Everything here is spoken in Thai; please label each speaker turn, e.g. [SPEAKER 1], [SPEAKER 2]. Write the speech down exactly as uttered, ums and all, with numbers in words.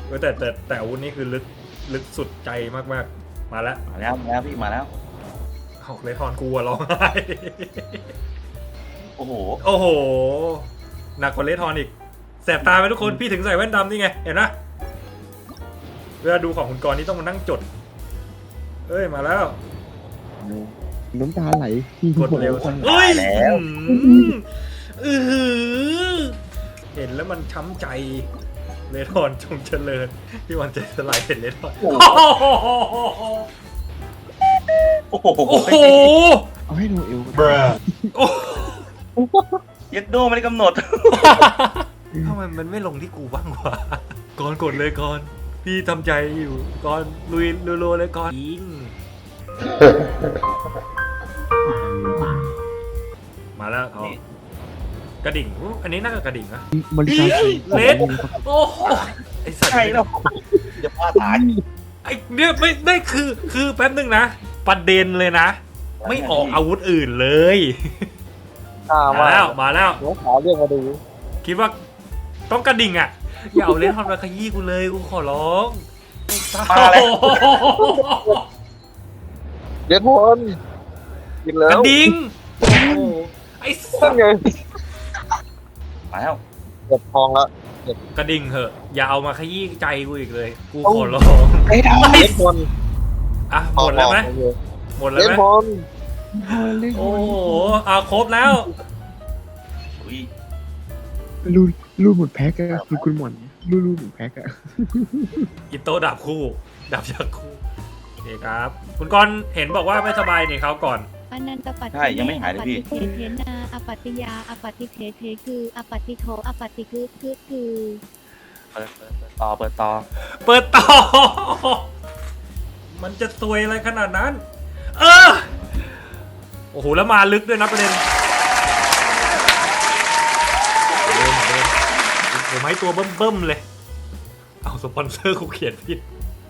[SPEAKER 1] เออแต่แต่แต่อาวุธนี่คือลึกลึกสุดใจมากๆมาแล้ว
[SPEAKER 2] มาแล้วมาแล้วพี่มาแล้ว
[SPEAKER 1] ออกเลยทอนกูอะร้องไห้
[SPEAKER 2] โอ้โห
[SPEAKER 1] โอ้โหหนักกว่าเลทอนอีกแสบตาไหมทุกคนพี่ถึงใส่แว่นดำนี่ไงเห็นนะเวลาดูของคุณกรณ์นี่ต้องมานั่งจดเอ้ยมาแล้ว
[SPEAKER 3] น้ำตาไหล
[SPEAKER 1] กดเร็ว
[SPEAKER 3] คน
[SPEAKER 1] เฮ้ย
[SPEAKER 2] แล้ว
[SPEAKER 1] อือหือเห็นแล้วมันช้ำใจเลทอนจงเจริญพี่วันใจสลายเห็นเลทอน
[SPEAKER 2] โอ้โห
[SPEAKER 1] โอ้โห
[SPEAKER 3] เอาให้ดูเอว
[SPEAKER 1] โอ้
[SPEAKER 2] เย็ดโดไม่ได้กำหนด
[SPEAKER 1] ทำไมมันไม่ลงที่กูบ้างวะก่อนกดเลยก่อนพี่ทำใจอยู่ก่อนลุยรัวๆเลยก่อนยิงมาแล้วเอากระดิ่งอุ๊ยอันนี้น่าจะกระดิ่งนะ
[SPEAKER 3] บริการ
[SPEAKER 1] เลสโอ้โหไอสัตว์
[SPEAKER 2] ใช่แล้วจะพลาดตาย
[SPEAKER 1] ไอเนี่ยไม่ไม่คือคือแป๊บนึงนะประเด็นเลยนะ ไม่ออกอาวุธอื่นเลย มาแล้วมาแล้ว
[SPEAKER 3] หัวขาวเรียกมาดู
[SPEAKER 1] คิดว่าต้องกระดิ่งอ่ะ อย่าเอาเลนทอนมาขยี้กูเลยกูขอร้อง
[SPEAKER 2] มาแล้ว
[SPEAKER 3] เรียนพลกินแล้
[SPEAKER 1] กระ
[SPEAKER 3] ว
[SPEAKER 1] ดิ่งโอ้โหไอ้สั
[SPEAKER 3] นั่
[SPEAKER 1] ต
[SPEAKER 3] น
[SPEAKER 1] ว์
[SPEAKER 3] ไง
[SPEAKER 2] มาแล้ว
[SPEAKER 3] เก็บทองแล้ว
[SPEAKER 1] กระดิ่งเหอะอย่าเอามาขยี้ใจกูอีกเลย กูขอร้อง
[SPEAKER 3] ไอ้ทำเรียนพล
[SPEAKER 1] อ่ะหมดแล้วไหมหมดแล้ว
[SPEAKER 3] เรียน
[SPEAKER 1] ไหม
[SPEAKER 3] พล
[SPEAKER 1] โอ้โหอ่ะครบแล้ว
[SPEAKER 2] อุ้ย
[SPEAKER 3] รูดรูดหมดแพ็กอะคือคุณหมอนรูดรูดหมดแพ็กอะ
[SPEAKER 1] อิโต้ดาบคู่ดาบยักษ์คู่โอเคครับ คุณกรณ์เห็นบอกว่าไม่สบายนี่เขาก่อน
[SPEAKER 4] อนันตปัตติ
[SPEAKER 2] ใช่ยังไม่หายเลยพี่
[SPEAKER 4] อปฏิเทนาอปฏิยาอปฏิเทเทคืออปฏิโทอปฏิคือคือคือ
[SPEAKER 2] เปิดเปิดเปิดต่อเปิดต่อ
[SPEAKER 1] เปิดต่อ มันจะซวยอะไรขนาดนั้น เออ โอ้โห แล้วมาลึกด้วยนะประเด็นเดินเดินโอ้โหไม้ตัวเบิ่มๆเลย เอาสปอนเซอร์กูเขียนผิด